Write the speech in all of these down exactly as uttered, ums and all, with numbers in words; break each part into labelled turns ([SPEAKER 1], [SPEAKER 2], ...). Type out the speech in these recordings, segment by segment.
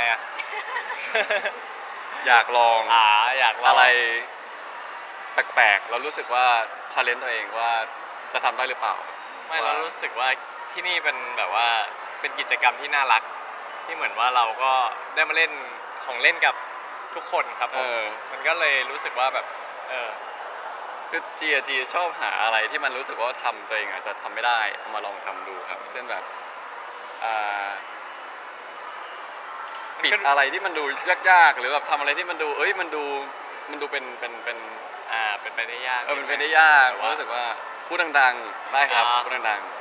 [SPEAKER 1] อ่ะ
[SPEAKER 2] อยากลอง
[SPEAKER 1] อ่าอยากลอง
[SPEAKER 2] อะไรแปลกๆแล้วรู้สึกว่าชาเลนจ์ตัวเองว่าจะทำได้หรือเปล่า
[SPEAKER 1] ไม่เรารู้สึกว่าที่นี่เป็นแบบว่าเป็นกิจกรรมที่น่ารักที่เหมือนว่าเราก็ได้มาเล่นของเล่นกับทุกคนครับผ
[SPEAKER 2] เอ
[SPEAKER 1] ม
[SPEAKER 2] อ
[SPEAKER 1] มันก็เลยรู้สึกว่าแบบเออ
[SPEAKER 2] คือจีอะจีชอบหาอะไรที่มันรู้สึกว่าทำตัวเองอาจจะทำไม่ได้เอามาลองทำดูครับเช่นแบบอ่าปิดอะไรที่มันดูยากๆหรือแบบทำอะไรที่มันดูเอ้ยมันดูมันดูเป็นเป็นเป็น
[SPEAKER 1] อ่าเป็นไปได้ยาก
[SPEAKER 2] เออมันเป็นได้ยากรู้สึกว่าพูดดังๆได้ครับ
[SPEAKER 1] อ่า
[SPEAKER 2] พูดดังๆ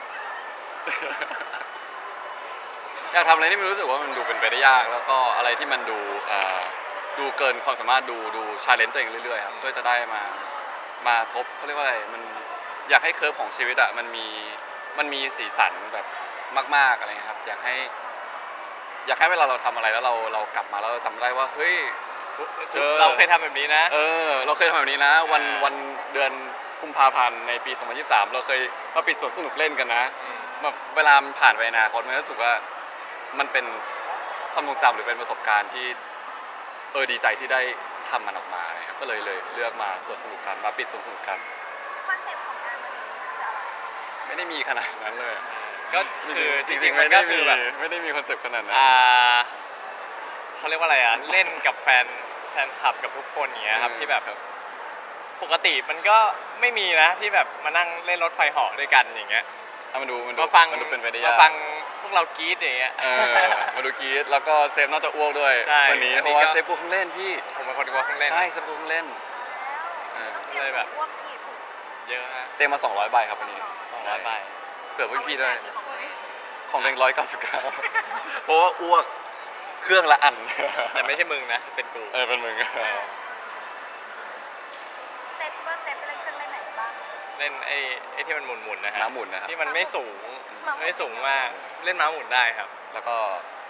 [SPEAKER 2] อยากทำอะไรที่มันรู้สึกว่ามันดูเป็นไปได้ยากแล้วก็อะไรที่มันดูอ่าดูเกินความสามารถดูดูชาเลนจ์ตัวเองเรื่อยๆครับเพื่อจะได้มามาทบเขาเรียกว่าอะไรมันอยากให้เคิร์ฟของชีวิตอะมันมีมันมีสีสันแบบมากๆอะไรเงี้ยครับอยากให้อยากให้เวลาเราทำอะไรแล้วเราเรากลับมาแล้วเราจำได้ว่าเฮ้ย เจอ
[SPEAKER 1] เราเคยทำแบบนี้นะ
[SPEAKER 2] เออเราเคยทำแบบนี้นะวัน
[SPEAKER 1] อ่า
[SPEAKER 2] วันเดือนกุมภาพันธ์ในปี สองพันยี่สิบสาม เราเคยมาปิดสวนสนุกเล่นกันนะแบบเวลามันผ่านไปอนาคตมันรู้สึกว่ามันเป็นความทรงจำหรือเป็นประสบการณ์ที่เออดีใจที่ได้ทำมันออกมานะครับก็เลยเลยเลือกมาสวนสนุกกันมาปิดสวนสนุกกัน
[SPEAKER 3] คอนเซ็ปต์ของงานวันนี้คืออะไร
[SPEAKER 2] ไม่ได้มีขนาดนั้นเลย
[SPEAKER 1] ก็คือจ
[SPEAKER 2] จริ
[SPEAKER 1] ริ
[SPEAKER 2] ง
[SPEAKER 1] ง
[SPEAKER 2] ๆ
[SPEAKER 1] ๆมั
[SPEAKER 2] ไม่
[SPEAKER 1] น
[SPEAKER 2] ได้
[SPEAKER 1] ก็คื
[SPEAKER 2] มี
[SPEAKER 1] อแบบ
[SPEAKER 2] ไม่ได้มีคอนเซปต์ขนาดนั้น
[SPEAKER 1] อ่าเขาเรียกว่าอะไรอ่ะเล่นกับแฟนแฟนคลับกับทุกคนอย่างเงี้ยครับที่แบบปกติมันก็ไม่มีนะที่แบบมานั่งเล่นรถไฟเหาะด้วยกันอย่างเงี้ย
[SPEAKER 2] เอามาดูมันดู
[SPEAKER 1] มาฟัง
[SPEAKER 2] มันดูเป็นไปได้
[SPEAKER 1] มาย
[SPEAKER 2] าก
[SPEAKER 1] ฟังพวกเรากรี๊ดอย่างเงี้ย
[SPEAKER 2] เออมาดูกรีดแล้วก็เซฟน่าจะอ้วกด้วย
[SPEAKER 1] ใช่
[SPEAKER 2] วันนี้
[SPEAKER 1] อันนี้
[SPEAKER 2] เพราะว่า
[SPEAKER 1] ก็
[SPEAKER 2] เซฟกูเพิ่งเล่นพี่
[SPEAKER 1] ผมเป็นคนกลัวเครื่องเล่น
[SPEAKER 2] ใช่เซฟกูเพิ่งเล่น เออ
[SPEAKER 3] แล้ว
[SPEAKER 1] เลยแบบ
[SPEAKER 3] อ้วกกี่ถุง
[SPEAKER 1] เยอะฮะ
[SPEAKER 2] เต็มมาสองร้อยใบครับวันนี้
[SPEAKER 1] สองร้อยใบ
[SPEAKER 2] เผื่อพี่พี่ๆด้วย
[SPEAKER 3] หรือของตัวเอง
[SPEAKER 2] ของเองร้อยเก้าสิบเก้าเพราะว่าอ้วกเครื่องละอัน
[SPEAKER 1] แต่ไม่ใช่มึงนะเป็นกู
[SPEAKER 2] เออเป็นมึง
[SPEAKER 3] เซฟคิดว่าเซฟจะเล่นเครื่องเล่นไหนบ้าง
[SPEAKER 1] เล่นไอ้ไอ้ที่มันหมุนๆนะฮะ
[SPEAKER 2] ม้าหมุนนะครับ
[SPEAKER 1] ที่มันไม่สูง
[SPEAKER 3] ม้าหมุน
[SPEAKER 1] ไม่สูงมากเล่นม้าหมุนได้ครับ
[SPEAKER 2] แล้วก็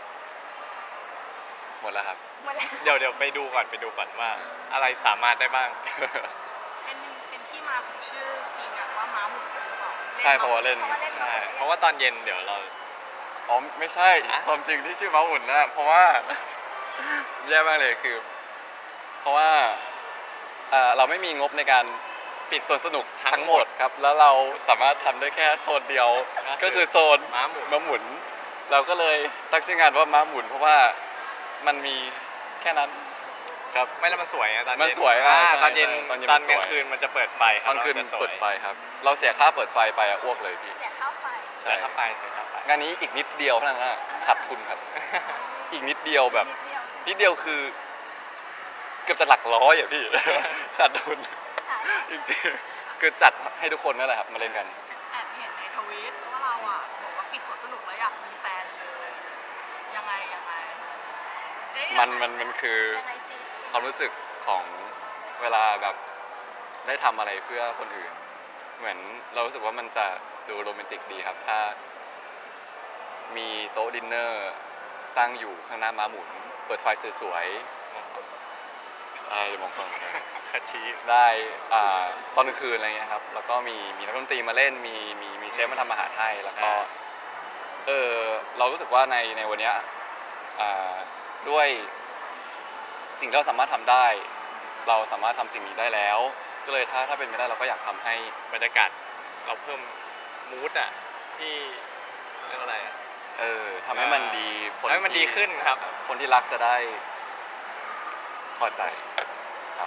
[SPEAKER 2] หมดแล้วครับ
[SPEAKER 3] หมดแล้ว
[SPEAKER 1] เดี๋ยวเดี๋ยวไปดูก่อนไปดูก่อนว่าอะไรสามารถได้บ้าง
[SPEAKER 3] เป็นเป็นที่มาของชื่อทีมอะว่าม้าหมุนหรือเปล่า
[SPEAKER 2] ใช่เพราะว่าเล่น
[SPEAKER 1] ใช่เพราะว่าตอนเย็นเดี๋ยวเรา
[SPEAKER 2] อ๋อไม่ใช่
[SPEAKER 1] อะ
[SPEAKER 2] ความจริงที่ชื่อม้าหมุนนะเพราะว่า แย่มากเลยคือ เพราะว่าเอ่อเราไม่มีงบในการปิดสวนสนุกทั้งหมดครับ แล้วเราสามารถทำได้แค่โซนเดียว ก็คือโซน
[SPEAKER 1] ม้าหมุน
[SPEAKER 2] ม้าหมุน เราก็เลยตั้งชื่องานว่าม้าหมุน เพราะว่ามันมีแค่นั้นครับ
[SPEAKER 1] ไม่แล้วมันสวยอะตอนเย็น
[SPEAKER 2] มันสวยอ่ะ
[SPEAKER 1] อ่า
[SPEAKER 2] ใช่
[SPEAKER 1] ตอนเย็น
[SPEAKER 2] ใช่ตอนเย็น
[SPEAKER 1] ตอน
[SPEAKER 2] มัน
[SPEAKER 1] ก
[SPEAKER 2] สวย
[SPEAKER 1] ลางคืนมันจะเปิดไฟค
[SPEAKER 2] ต
[SPEAKER 1] รับ
[SPEAKER 2] อนคืน
[SPEAKER 1] ราจะสวย
[SPEAKER 2] เปิดไฟครับ เราเสียค่าเปิดไฟไปอะอ้วกเลยพี่
[SPEAKER 3] เสียข้าวไฟ
[SPEAKER 1] เสียค่าไฟเสียค่าไฟ
[SPEAKER 2] งานนี้อีกนิดเดียวเท่านั้นนะขาดทุนครับ อีกนิดเดียวแบบ
[SPEAKER 3] นิดเดียว
[SPEAKER 2] นิดเดียวคือ เกือบจะหลักร้อยอ่ะพี่ ขาดทุน
[SPEAKER 3] ค่ะ
[SPEAKER 2] จริงๆคือจัดให้ทุกคนนั่นแหละครับมาเล่นกัน
[SPEAKER 4] แอบเห็นในทวิตว่าเราอ่ะบอกว่าปิดสวนสนุกแล้วอยากมีแฟนเลยยังไงยังไงเอ๊ะ
[SPEAKER 2] มันมันมันคือ
[SPEAKER 3] ยังไงสิ
[SPEAKER 2] ความรู้สึกของเวลาแบบได้ทำอะไรเพื่อคนอื่น เหมือนเรารู้สึกว่ามันจะดูโรแมนติกดีครับ ถ้า มีโต๊ะดินเนอร์ตั้งอยู่ข้างหน้าม้าหมุน เปิดไฟสวยๆอะไรมองกล้องนะ
[SPEAKER 1] คาชิ
[SPEAKER 2] ได้อ่าตอนกลางคืนอะไรเงี้ยครับ แล้วก็มีมีนักดนตรีมาเล่น มีมีมีเชฟมาทำอาหารให้ แล้วก็เออเรารู้สึกว่าในในวันเนี้ยอ่าด้วยสิ่งที่เราสามารถทำได้ เราสามารถทำสิ่งนี้ได้แล้ว ก็เลยถ้าถ้าเป็นไปได้เราก็อยากทำให้
[SPEAKER 1] บรรยากาศเราเพิ่มมูดอ่ะที่เรียกว่าอะไรอ่ะ
[SPEAKER 2] เออทำให้มันดี
[SPEAKER 1] ทำให้มันดีขึ้นครับ
[SPEAKER 2] คนที่รักจะได้พอใจครับ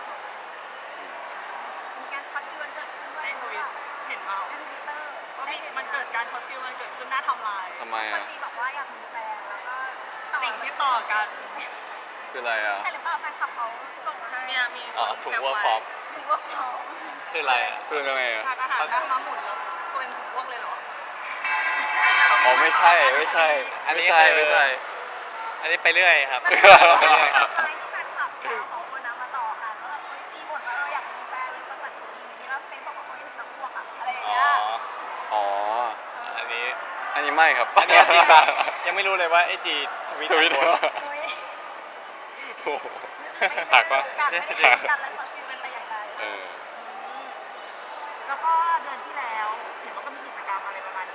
[SPEAKER 3] มีการช็อตฟิววันเกิดขึ้นด้วย
[SPEAKER 4] ในทวิ
[SPEAKER 3] ห
[SPEAKER 4] ต
[SPEAKER 3] รือเปล่า
[SPEAKER 4] เห็นเมา
[SPEAKER 3] ในทวิตเตอร์
[SPEAKER 4] ว่ามีมันเกิดการช็อตฟิลมันเกิดขึ้นหน้าทำลาย
[SPEAKER 2] ทำไม
[SPEAKER 3] คน
[SPEAKER 2] อ่ะ
[SPEAKER 3] จีบอกว่าอยากมีแฟนแล้วก็ต่อ
[SPEAKER 4] สิ่งที่ต่อกัน
[SPEAKER 2] คืออะไรอ่ะ
[SPEAKER 3] แต่หรือเปล่าแฟนคลับเขาส่งมาให้
[SPEAKER 4] เนี่ยมี
[SPEAKER 1] อ๋อถุงวัวพร้อม
[SPEAKER 3] ถือว่าพร้อม
[SPEAKER 1] คืออะไรอ่ะ
[SPEAKER 2] คือยังไงอ่ะ
[SPEAKER 4] ทานอาหารแล้วมาหมุนแล้วตัวเองถูกพวกเลยเหรอ
[SPEAKER 2] อ๋อไม่ใช่ไม่ใช่
[SPEAKER 1] อันนี้
[SPEAKER 2] ไม่ใช่
[SPEAKER 1] คือ
[SPEAKER 2] ไม่ใช่
[SPEAKER 1] อันนี้ไปเรื่อยครับ
[SPEAKER 3] มัน
[SPEAKER 1] ไป
[SPEAKER 3] เป็น
[SPEAKER 1] เรื่อยครับ
[SPEAKER 3] อะไรที่แฟนคลับเขาสองคนนะมาต่อกันว่าแบบเฮ้ยจีบ่นว่าเราอยากมีแฟนเลยก็จัดอย่างนี้แล้วเซนบอกว่าเขาอยากจะพวกอะอะไรอย่าง
[SPEAKER 1] อ๋อ
[SPEAKER 3] เงี้ย
[SPEAKER 2] อ๋อ
[SPEAKER 1] อันนี้
[SPEAKER 2] อันนี้ไม่ครับ
[SPEAKER 1] อันนี้จริงปะยังไม่รู้เลยว่าไอจีทวิต
[SPEAKER 2] ทวิต
[SPEAKER 1] โพสต์
[SPEAKER 3] เฮ้ย
[SPEAKER 2] โอ้โหหักปะ
[SPEAKER 3] กัดไม่ได้กัดและช็อตฟิลเป็นไปอย่างไร
[SPEAKER 2] เออ
[SPEAKER 3] แล้วก็เดือนที่แล้วเห็นว่าก็มีกิจกรรมอะไรประมาณนี้เหมือนกัน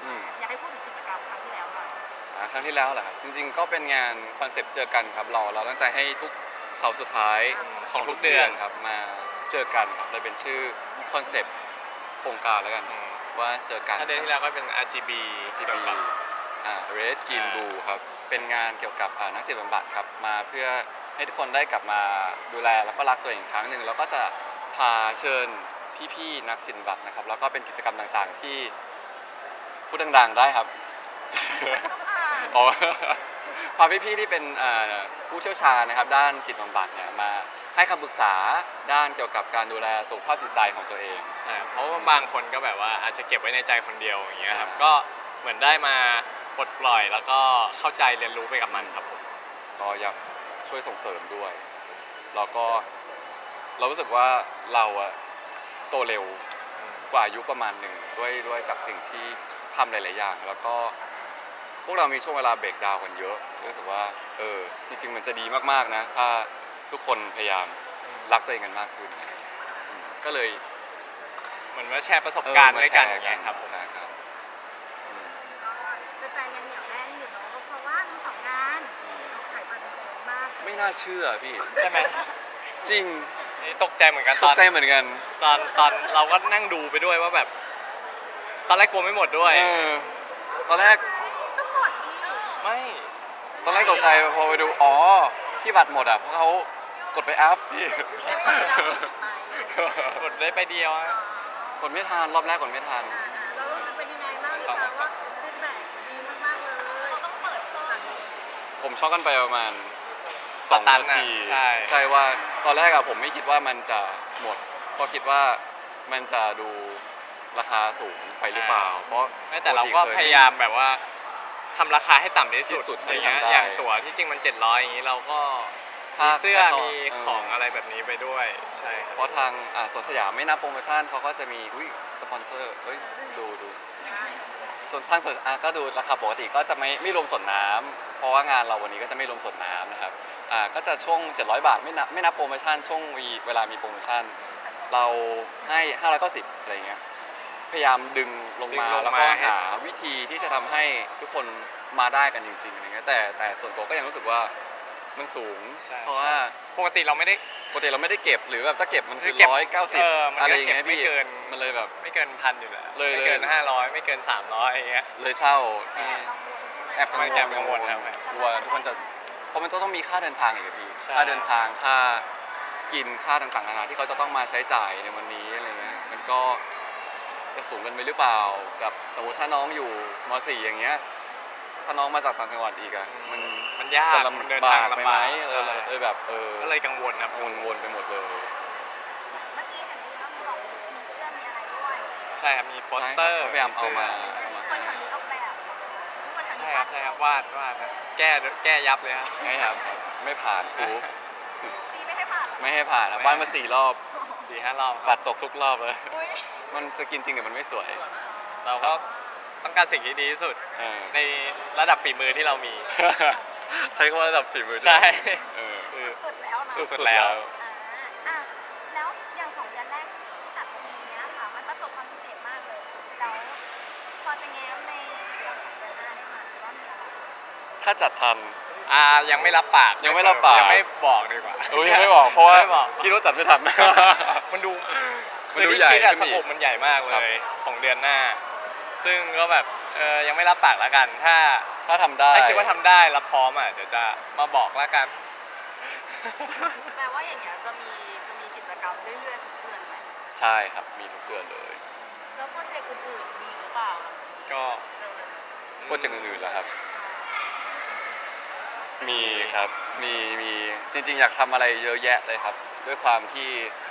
[SPEAKER 2] อืม
[SPEAKER 3] อยากให้พูดถึงกิจกรรมครั้งที่แล้วหน่อย
[SPEAKER 2] อ่าครั้งที่แล้วแหละครับจริงๆก็เป็นงานคอนเซปต์เจอกันครับเราเราตั้งใจให้ทุกเสาร์สุดท้าย
[SPEAKER 1] ของทุกเดือน
[SPEAKER 2] ครับมาเจอกันครับเลยเป็นชื่อคอนเซปต์โครงการแล้วกัน
[SPEAKER 1] อืม
[SPEAKER 2] ว่าเจอกัน
[SPEAKER 1] ถ้าเดือนที่แล้วก็เป็น อาร์ จี บี
[SPEAKER 2] จี
[SPEAKER 1] เกี่ยว
[SPEAKER 2] บี
[SPEAKER 1] กับ
[SPEAKER 2] อ่า Red Green
[SPEAKER 1] อ่า
[SPEAKER 2] Blue ครับเป็นงานเกี่ยวกับอ่านักจิตบำบัดครับมาเพื่อให้ทุกคนได้กลับมาดูแลแล้วก็รักตัวเองอีกครั้งหนึ่งแล้วก็จะพาเชิญพี่ๆนักจิตบำบัดนะครับแล้วก็เป็นกิจกรรมต่างๆที่พูดดังๆได้ครับ อ๋อ พาพี่ๆที่เป็นอ่าผู้เชี่ยวชาญนะครับด้านจิตบำบัดเนี่ยมาให้คำปรึกษาด้านเกี่ยวกับการดูแลสุขภาพจิตใจของตัวเอง
[SPEAKER 1] อ่าเพราะว่าบางคนก็แบบว่าอาจจะเก็บไว้ในใจคนเดียวอย่างเงี้ยครับ
[SPEAKER 2] อ่า
[SPEAKER 1] ก็เหมือนได้มาปลดปล่อยแล้วก็เข้าใจเรียนรู้ไปกับมันครับผม
[SPEAKER 2] ก็อยากช่วยส่งเสริมด้วยแล้วก็เรารู้สึกว่าเราอะโตเร็วกว่าอายุประมาณหนึ่งด้วยด้วยจากสิ่งที่ทำหลายๆอย่าง แล้วก็พวกเรามีช่วงเวลาเบรกดาวน์กันเยอะรู้สึกว่าเออจริงๆมันจะดีมากๆนะถ้าทุกคนพยายามรักตัวเองกันมากขึ้นอะไรอย่างเงี้ยอืมก็เลย
[SPEAKER 1] เหมือนว่าแชร์ประสบการณ์
[SPEAKER 2] เออ
[SPEAKER 1] ด้วยกัน
[SPEAKER 2] ม
[SPEAKER 1] อย่างเงี้ยครับผม
[SPEAKER 2] ใช่ครับอืม
[SPEAKER 3] ก็แฟนๆยังเหนียวแน่นอยู่เนาะเพราะว่าทั้งสองงานเราขายบัตรกันเยอะมาก
[SPEAKER 2] ไม่น่าเชื่อพี่
[SPEAKER 1] ใช่ไหม
[SPEAKER 2] จริง
[SPEAKER 1] นี่ตกใจเหมือนกัน
[SPEAKER 2] ต
[SPEAKER 1] ต
[SPEAKER 2] ก
[SPEAKER 1] อน
[SPEAKER 2] ใจเหมือนกัน
[SPEAKER 1] ตอนตอนเราก็นั่งดูไปด้วยว่าแบบ ตอนแรกกลัวไม่หมดด้วย
[SPEAKER 2] เออตอนแรก
[SPEAKER 3] ก็หมดนี่
[SPEAKER 1] ไม่
[SPEAKER 2] ตอนแรกตกใจพอไปดูอ๋อที่บัตรหมดอ่ะเพราะเขากดไปอัพพี่
[SPEAKER 1] กดได้ไปเดียวอะ
[SPEAKER 2] กดไม่ทันรอบแรกกดไม่ทัน
[SPEAKER 3] เรารู้สึกเป็นยังไงบ้างคะว่าฟีดแบ็กดีมากๆเลยเราต้องเปิดเปิด
[SPEAKER 2] ผมช็อกกันไปประมาณส
[SPEAKER 1] ส
[SPEAKER 2] อง
[SPEAKER 1] ตัน
[SPEAKER 2] นา
[SPEAKER 1] อะ
[SPEAKER 2] ที
[SPEAKER 1] ใช่
[SPEAKER 2] ใช่ว่าตอนแรกอะผมไม่คิดว่ามันจะหมดเพราะคิดว่ามันจะดูราคาสูงไปหรือเปล่า เพราะ
[SPEAKER 1] ไม่แต่เราก็พยายามแบบว่าทำราคาให้ต่ำที่สุด
[SPEAKER 2] ที่สุด
[SPEAKER 1] อะไรเงี้ย
[SPEAKER 2] ที่ทำได้
[SPEAKER 1] อย่างตั๋วที่จริงมันเจ็ดร้อยอย่างนี้เราก็
[SPEAKER 2] ค่า
[SPEAKER 1] มีเสื้อ
[SPEAKER 2] ค่าต่อ
[SPEAKER 1] มี
[SPEAKER 2] เออ
[SPEAKER 1] ของอะไรแบบนี้ไปด้วยใช่ครับ
[SPEAKER 2] เพราะทางอ่าสวนสยามไม่นับโปรโมชั่นเขาก็จะมีอุ้ยสปอนเซอร์เฮ้ยดูดูส่วนทางสวนอ่ะก็ดูราคาปกติก็จะไม่ไม่รวมส่วนน้ำเพราะว่างานเราวันนี้ก็จะไม่รวมส่วนน้ำนะครับอ่าก็จะช่วงเจ็ดร้อยบาทไม่นับไม่นับโปรโมชั่นช่วงวีเวลามีโปรโมชั่น เราให้ห้าร้อยเก้าสิบอะไรเงี้ยพยายามดึงลง
[SPEAKER 1] ดึง
[SPEAKER 2] มา
[SPEAKER 1] ลง
[SPEAKER 2] แล้วก็
[SPEAKER 1] มาให้
[SPEAKER 2] หาวิธีที่จะทำให้ทุกคนมาได้กันจริงๆอะไรเงี้ยแต่แต่ส่วนตัวก็ยังรู้สึกว่ามันสูง
[SPEAKER 1] ใช่
[SPEAKER 2] เพราะว่า
[SPEAKER 1] ปกติเราไม่ได้
[SPEAKER 2] ปกติเราไม่ได้เก็บหรือแบบถ้าเก็บมันคือ
[SPEAKER 1] เก็บ
[SPEAKER 2] ร้อยเก้าสิบ
[SPEAKER 1] เออมันก็
[SPEAKER 2] อะไรอย่างเงี้ย
[SPEAKER 1] เก็บไม่
[SPEAKER 2] พี่
[SPEAKER 1] เกิน
[SPEAKER 2] มันเลยแบบ
[SPEAKER 1] ไม่เกินพันอยู่แล้ว
[SPEAKER 2] เลย
[SPEAKER 1] ไม่เกิน
[SPEAKER 2] เลย
[SPEAKER 1] ห้าร้อยไม่เกินสามร้อยอย่างเงี้ย
[SPEAKER 2] เลยเศร้าที่
[SPEAKER 3] แอบกังวลใช่ไหม
[SPEAKER 2] แอบ
[SPEAKER 1] มันแอบกังวลครับ
[SPEAKER 2] กลัวทุกคนจะเพราะมันต้องมีค่าเดินทางอีกอะพี่
[SPEAKER 1] ใช่
[SPEAKER 2] ค่าเดินทางค่ากินค่าต่างๆนานาที่เขาจะต้องมาใช้จ่ายในวันนี้อะไรเงี้ยมันก็จะสูงเกินไปหรือเปล่ากับสมมติถ้าน้องอยู่ม .สี่ อย่างเงี้ยถ้าน้องมาจากต่างจังหวัดอีกอะมัน
[SPEAKER 1] มันยาก
[SPEAKER 2] จะ
[SPEAKER 1] มันเดิน
[SPEAKER 2] ลำ
[SPEAKER 1] ทาง
[SPEAKER 2] บากไป
[SPEAKER 1] ลำ
[SPEAKER 2] ไหม
[SPEAKER 1] บาก
[SPEAKER 2] เอ
[SPEAKER 1] ใช่
[SPEAKER 2] อเออแบบเออ
[SPEAKER 1] ก็เลยกังวลครับ
[SPEAKER 2] วนๆไปหมดเลย
[SPEAKER 3] เมื่อกี้เห็นมีน้องบอกมีเสื้อมีอะไรด้วย
[SPEAKER 1] ใช่ครับมีโปสเตอร์
[SPEAKER 2] ใช่ครับพยายามเอามา
[SPEAKER 1] ใช่
[SPEAKER 3] คนแถวนี้ออกแบบคนแถว
[SPEAKER 1] ใช่
[SPEAKER 3] นี้
[SPEAKER 1] ครับใช่ครับวาดวาดครับแก้แก้ยับเลยครับ
[SPEAKER 2] ไม่ครับครับไม่ผ่านครู
[SPEAKER 3] จีไม่ให้ผ่าน
[SPEAKER 2] ไม่ให้ผ่านนะบ้านมาสี่รอบ
[SPEAKER 1] สี่ห้ารอบค
[SPEAKER 2] บั
[SPEAKER 1] รับ
[SPEAKER 2] ตรตกทุกรอบเลย
[SPEAKER 3] อุ้ย
[SPEAKER 2] มันจะกินจริงแต่มันไม่สวย
[SPEAKER 1] เราก็ต้องการสิ่งที่ดีที่สุด
[SPEAKER 2] เออ
[SPEAKER 1] ในระดับฝีมือที่เรามี
[SPEAKER 2] ใช้คำว่าระดับฝีมือด้วย
[SPEAKER 1] ใช่
[SPEAKER 2] เออ
[SPEAKER 1] คือ
[SPEAKER 3] สุดแล้วนะ
[SPEAKER 1] สุดแล้ว
[SPEAKER 3] อ่าอ่ะแล้วอย่างสองเดือนแรกที่จัดปีเนี้ยค่ะ มันประสบความสำเร็จมากเลยแล้วพอจะแง้มในเดือนของเดือนหน้าได้ไหมว่ามีอะไร
[SPEAKER 2] ถ้าจัดทัน
[SPEAKER 1] อ่ายังไม่รับปาก
[SPEAKER 2] ยังไม่รับปาก
[SPEAKER 1] ยังไม่บอกดีกว่า
[SPEAKER 2] โอ้ยยังไม่บอกเพราะว่า
[SPEAKER 1] ไม่บอก
[SPEAKER 2] คิดว่าจัดไม่ทัน
[SPEAKER 1] มันดู
[SPEAKER 2] มัน
[SPEAKER 1] คือ
[SPEAKER 2] ดู
[SPEAKER 1] ที่
[SPEAKER 2] ใหญ่
[SPEAKER 1] คิดอะ
[SPEAKER 2] ขึ้น
[SPEAKER 1] ส
[SPEAKER 2] อีก
[SPEAKER 1] โคปมันใหญ่มากเล
[SPEAKER 2] ครับ
[SPEAKER 1] ยของเดือนหน้า ซึ่งก็แบบเออยังไม่รับปากแล้วกัน ถ้า
[SPEAKER 2] ถ้าทำได้
[SPEAKER 1] ถ้าคิดว่าทำได้แล้วพร้อมอ่ะเดี๋ยวจะมาบอกแล้วกัน
[SPEAKER 4] แปลว่าอย่างเงี้ยจะมีจะมีกิจกรรมเรื่อยๆทุกเดือนไหม
[SPEAKER 2] ใช่ครับมีทุกเดือนเลย
[SPEAKER 4] แล้วโปรเจกต์อื่นๆมีหรือเปล่า
[SPEAKER 1] ก็
[SPEAKER 2] โปรเจกต์อื่นๆแล้วครับ มีครับ มี มี จริงๆ อยากทำอะไรเยอะแยะเลยครับ ด้วยความที่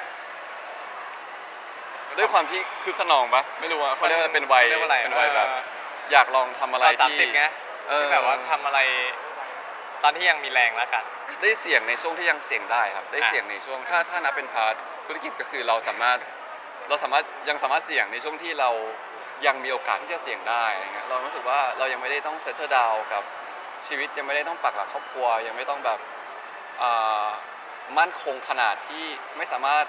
[SPEAKER 2] ด้วยความที่คือขนองปะไม่รู้ว่าเขาเรียกว่าเป็นวัย
[SPEAKER 1] เรียกว่าอะไร
[SPEAKER 2] เป็นวัยแบบ
[SPEAKER 1] เออ
[SPEAKER 2] อยากลองทำอะไร
[SPEAKER 1] ตอนสาม
[SPEAKER 2] ที่
[SPEAKER 1] สิบไง
[SPEAKER 2] เออ
[SPEAKER 1] ที่แบบว่าทำอะไร ตอนที่ยังมีแรงแล้วกัน
[SPEAKER 2] ได้เสี่ยงในช่วงที่ยังเสี่ยงได้ครับ ได้
[SPEAKER 1] อ่ะ
[SPEAKER 2] เสี่ยงในช่วงถ้าถ้านับเป็นพาร์ทธุรกิจก็คือเราสามารถเราสามารถยังสามารถเสี่ยงในช่วงที่เรายังมีโอกาสที่จะเสี่ยงได้อะไรเงี้ยเรารู้สึกว่าเรายังไม่ได้ต้องเซตเตอร์ดาวกับชีวิตยังไม่ได้ต้องปักหลักครอบครัว ยังไม่ต้องแบบอ่ามั่นคงขนาดที่ไม่สามารถ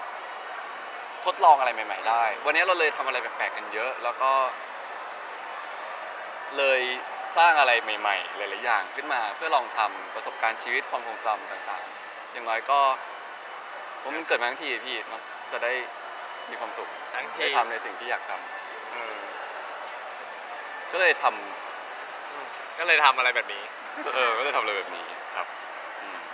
[SPEAKER 2] ทดลองอะไรใหม่ ๆ ได้ วันนี้เราเลยทำอะไรแปลกๆกันเยอะ แล้วก็เลยสร้างอะไรใหม่ๆหลายๆอย่างขึ้นมาเพื่อลองทำประสบการณ์ชีวิตความทรงจำต่างๆ อย่างน้อยก็ผมมันเกิดมาทั้งทีพี่เนาะจะได้มีความสุข
[SPEAKER 1] ทั้งที
[SPEAKER 2] ได้ทำในสิ่งที่อยากทำเออก็เลยทำ
[SPEAKER 1] อืมก็เลยทำอะไรแบบนี้
[SPEAKER 2] เออก็เลยทำอะไรแบบนี้ครับอืม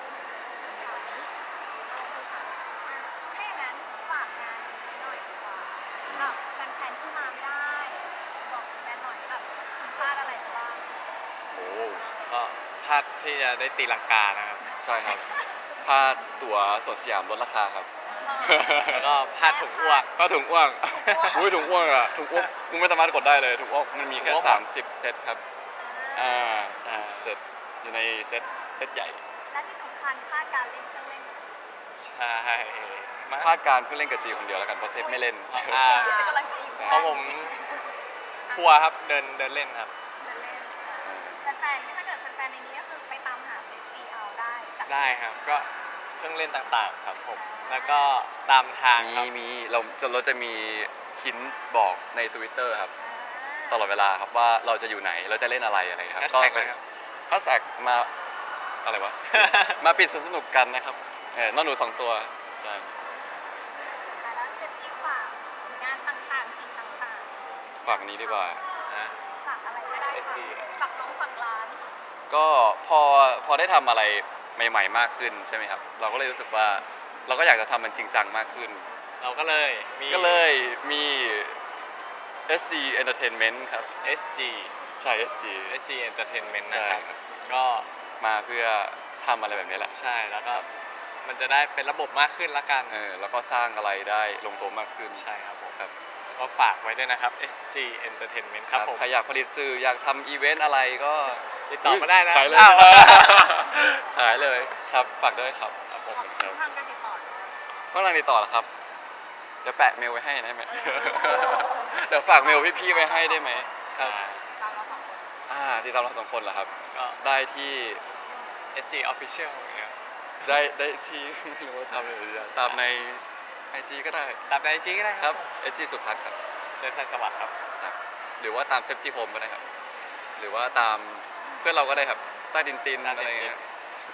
[SPEAKER 3] ถ้าอย่างนั้นฝากงานนี้หน่อยดีกว่าสำหรับแฟนๆที่มาไม่ได้ บอกแฟนหน่อยว่าแบบคุณพลาดอะไรไปบ้าง
[SPEAKER 2] โอ้
[SPEAKER 1] ก็พลาดที่จะได้ตีลังกานะครับ
[SPEAKER 2] ใช่ครับพลาดตั๋วสวนสยามลดราคาครับ
[SPEAKER 1] แล้วก็พลาดถุงอ้วก
[SPEAKER 2] พลาดถุงอ้วกอุ้ยถุงอ้วกอะถุงอ้วกกูไม่สามารถกดได้เลยถุงอ้วกมันมีแค่
[SPEAKER 1] ถุงอ้วก
[SPEAKER 2] สามสิบเซตครับอ่า
[SPEAKER 1] ใช่
[SPEAKER 2] สามสิบเซตอยู่ในเซตเซตใหญ่
[SPEAKER 3] และที่สำคัญพลาดการเล่นเครื่องเล่นกับ
[SPEAKER 1] ใช่มา
[SPEAKER 2] พลาดการเพิ่งเล่นกับจีคนเดียวแล้วกันเพราะเซฟไม่เล่น
[SPEAKER 1] อ่า
[SPEAKER 3] ซีจีกำลังจะอยู่
[SPEAKER 2] ใช่
[SPEAKER 1] เพราะผมทัวร์ครับเดินเดินเล่นครับ
[SPEAKER 3] เดินเล่นแฟนๆถ้าเกิดแฟนๆในนี้ก็คือไปตามหาซีจีเอาได้จาก
[SPEAKER 1] ได้ครับก็เครื่องเล่นต่างๆครับผมแล้วก็ตามทาง
[SPEAKER 2] มี
[SPEAKER 1] ครับ
[SPEAKER 2] มีเราจะเราจะมีหินบอกใน Twitter ครับตลอดเวลาครับว่าเราจะอยู่ไหนเราจะเล่นอะไรอะไรครับ
[SPEAKER 1] แฮชแท็กนะครับ
[SPEAKER 2] แฮชแท็กมาอะไรวะ มาปิดสนุกกันนะครับเออน้องหนูสองตัวใช่
[SPEAKER 3] แล้วเซฟจีฝากงานต่างๆสิ่งต่างๆ
[SPEAKER 2] ฝากอันนี้ดีกว่า
[SPEAKER 1] นะ
[SPEAKER 3] ฝากอะไรก็ได้ค่ะ
[SPEAKER 1] เอสซี
[SPEAKER 3] ฝากลงฝากร้าน
[SPEAKER 2] ก็พอพอได้ทำอะไรใหม่ ๆ มากขึ้นใช่ไหมครับ เราก็เลยรู้สึกว่าเราก็อยากจะทำมันจริงจังมากขึ้น
[SPEAKER 1] เราก็เลยมี
[SPEAKER 2] ก็เลยมี เอส ซี Entertainment ครับ
[SPEAKER 1] เอส จี
[SPEAKER 2] ใช่ เอส จี
[SPEAKER 1] เอส จี Entertainment
[SPEAKER 2] ใช่
[SPEAKER 1] นะครับ
[SPEAKER 2] ครับ
[SPEAKER 1] ก็
[SPEAKER 2] มาเพื่อทำอะไรแบบนี้แหละ
[SPEAKER 1] ใช่แล้วก็มันจะได้เป็นระบบมากขึ้นละกัน
[SPEAKER 2] เออแล้วก็สร้างอะไรได้ลงตัวมากขึ้น
[SPEAKER 1] ใช่ครับผม
[SPEAKER 2] ครับ
[SPEAKER 1] ก็ฝากไว้ด้วยนะครับ เอส จี Entertainment ครับผม
[SPEAKER 2] ใครอยากผลิตสื่ออยากทำอีเวนต์อะไรก็
[SPEAKER 1] ติดต่อมาได้นะ
[SPEAKER 2] ขายเลย
[SPEAKER 1] อ้าว
[SPEAKER 2] ขายเลยครับฝากด้วยครับครับผมครับ
[SPEAKER 4] ทางการติดต่อเลย
[SPEAKER 2] ข้างล่างติดต่อเหรอครับเดี๋ยวแปะเมลไว้ให้ได้ไหม เดี๋ยวฝากเมลพี่ๆไว้ให้ได้ไหมครับ
[SPEAKER 4] ตามเราสองคน
[SPEAKER 2] อ่าติดตามเราสองคนเหรอครับ
[SPEAKER 1] ก็
[SPEAKER 2] ได้ที่
[SPEAKER 1] เอส จี Official อย่างเงี้ย
[SPEAKER 2] ได้ได้ที่ ไม่รู้ว่าทำอะไรดีอะตามในไอจีก็ได้
[SPEAKER 1] ตามในไอจีก็ได้
[SPEAKER 2] ครับไอจีสุพัฒน์ครับ
[SPEAKER 1] เดินสันสวัสดิ์ครับ
[SPEAKER 2] ครับ หรือว่าตามเซฟจีโฮมก็ได้ครับ หรือว่าตามเพื่อนเราก็ได้ครับใต้ดินตินอะไรอย่างเงี้ย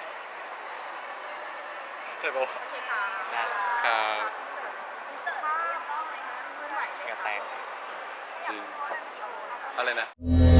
[SPEAKER 1] ใช่ปะวะ
[SPEAKER 4] โอเคค่ะ
[SPEAKER 1] ได้
[SPEAKER 2] ครับ
[SPEAKER 3] อินเตอร์ภาพต้องเลยนะ
[SPEAKER 4] เมื่อไหร่เลย
[SPEAKER 1] เหงื่อ
[SPEAKER 4] ค่ะ
[SPEAKER 1] แตก
[SPEAKER 2] จริงอะไรนะ
[SPEAKER 3] เ